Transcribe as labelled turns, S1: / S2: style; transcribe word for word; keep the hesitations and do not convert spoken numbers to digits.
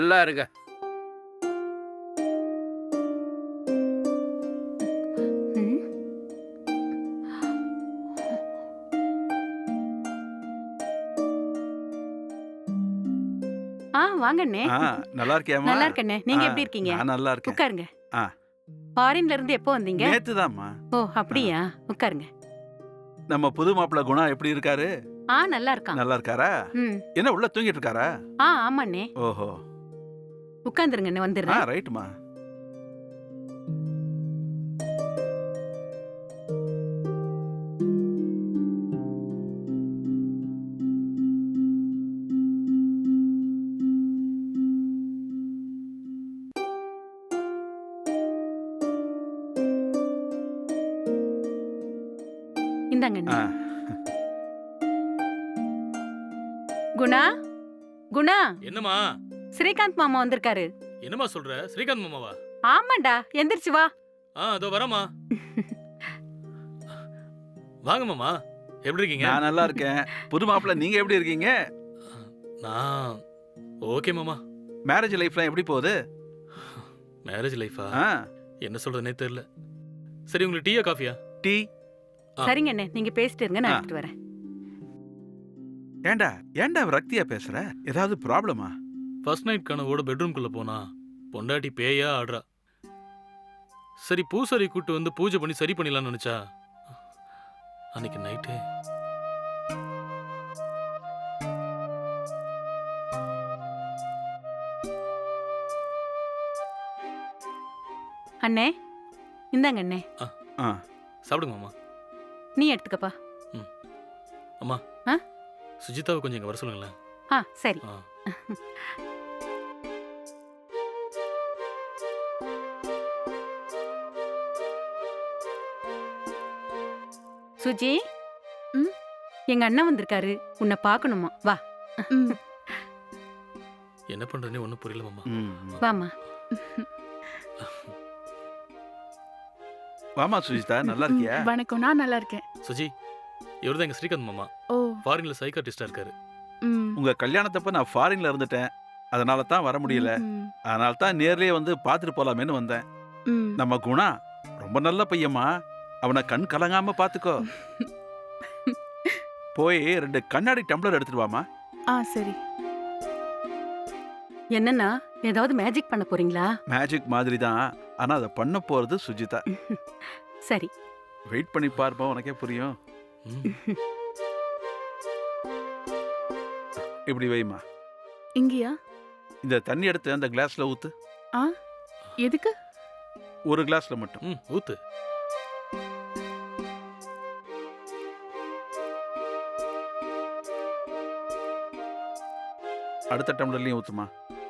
S1: நல்லா இருங்க.
S2: ம். ஆ வாங்க அண்ணே.
S3: ஆ நல்லா இருக்கியாம்மா?
S2: நல்லா இருக்கண்ணே. நீங்க
S3: ஆ,
S2: எப்படி இருக்கீங்க?
S3: நான் நல்லா இருக்கேன்.
S2: உட்காருங்க.
S3: ஆ.
S2: ஃபாரின்ல இருந்து எப்போ வந்தீங்க?
S3: நேத்துதாம்மா.
S2: ஓ அப்படியா? உட்காருங்க.
S3: நம்ம புது மாப்பிள்ளை குணா எப்படி இருக்காரு?
S2: ஆ நல்லா இருக்கான்.
S3: நல்லா இருக்காரா?
S2: ம்.
S3: என்ன உள்ள தூங்கிட்டு இருக்காரா?
S2: ஆ ஆமாண்ணே.
S3: ஓஹோ.
S2: உட்காந்துருங்க அண்ணே,
S3: ஆ
S2: வந்துடுறேன்.
S3: ரைட்டுமா.
S2: இந்தாங்க
S3: ஆ.
S2: அண்ணே. குணா குணா
S4: என்னம்மா?
S2: ஸ்ரீகாந்த் மாமா வந்திருக்காரு.
S4: என்னம்மா சொல்ற? ஸ்ரீகாந்த் மாமாவா?
S2: ஆமாண்டா, எந்திரிச்சு வா.
S4: ஆ அதோ வரேம்மா. வாங்க மாமா. எப்படி இருக்கீங்க?
S3: நான் நல்லா இருக்கேன். புது மாப்பிள்ளை நீங்க எப்படி இருக்கீங்க?
S4: நான் ஓகே மாமா.
S3: மேரேஜ் லைஃப்லாம் எப்படி போகுது?
S4: மேரேஜ் லைஃபா?
S3: ஆ.
S4: என்ன சொல்றதுனே தெரியல. சரி உங்களுக்கு டீயா காஃபியா?
S3: டீ.
S4: ஆ.
S2: சரிங்க அண்ணே, நீங்க பேசிட்டு இருங்க, நான்
S3: ஆ.
S2: எடுத்துட்டு வரேன்.
S3: ஏண்டா ஏண்டா ரக்தியா பேசுற? ஏதாவது ப்ராப்ளமா?
S4: ஃபர்ஸ்ட் நைட் கனவோட பெட்ரூம்குள்ள போனா பொண்டாட்டி பேயா ஆடுறா. சரி பூசாரி கூட்டு வந்து பூஜை பண்ணி சரி பண்ணிடலாம்னு நினைச்சா அன்னைக்கு நைட்டு
S2: அண்ணே இந்தாங்க அண்ணே.
S3: ஆ.
S4: சாப்பிடுங்க மாமா.
S2: நீ எடுத்துக்கப்பா.
S4: அம்மா.
S2: ஆ?
S4: சுஜிதாவை கொஞ்சம் இங்க வர சொல்லுங்களேன்.
S2: ஆ சரி.
S4: ஆ.
S2: சுஜி.
S5: ம்?
S2: எங்க அண்ணன் வந்திருக்காரு, உன்னை பார்க்கணுமா, வா.
S5: ம்.
S4: என்ன பண்றதுனே ஒன்றும் புரியல மாமா.
S3: ம்.
S2: வாமா.
S3: வாமா சுஜிதா, நல்லா இருக்கியா?
S5: ம், வணக்கம். நான் நல்லா இருக்கேன்.
S4: சுஜி இவர்தான் எங்க ஸ்ரீகாந்த் மாமா.
S5: ஓ.
S4: ஃபாரின்ல சைக்காட்டிஸ்டா இருக்காரு.
S5: ம்.
S3: உங்க கல்யாணத்தப்ப நான் ஃபாரின்ல இருந்துட்டேன். அதனால தான் வர முடியல.
S5: ம்,
S3: அதனால தான் நேர்லயே வந்து பார்த்துட்டு போலாமேன்னு வந்தேன்.
S5: ம்.
S3: நம்ம குணா ரொம்ப நல்ல பையம்மா. அவனை கண் கலங்காம பாத்துக்கோ. போய் ரெண்டு கண்ணாடி டம்ளர் எடுத்துட்டு வாமா.
S5: ஆ சரி.
S2: என்னன்னா, ஏதாவது மேஜிக் பண்ண போறீங்களா?
S3: மேஜிக் மாதிரி தான். ஆனா அதை பண்ண போறது சுஜிதா.
S2: சரி.
S3: வெயிட் பண்ணி பார்ப்போம், உனக்கே புரியும்.
S4: ம்.
S3: இப்படி வைமா.
S5: இங்கயா?
S3: இந்த தண்ணி எடுத்து அந்த கிளாஸ்ல ஊத்து.
S5: ஆ எதுக்கு?
S3: ஒரு கிளாஸ்ல மட்டும்.
S4: ம் ஊத்து.
S3: அடுத்த டம்ளர்லயும் ஊத்துமா.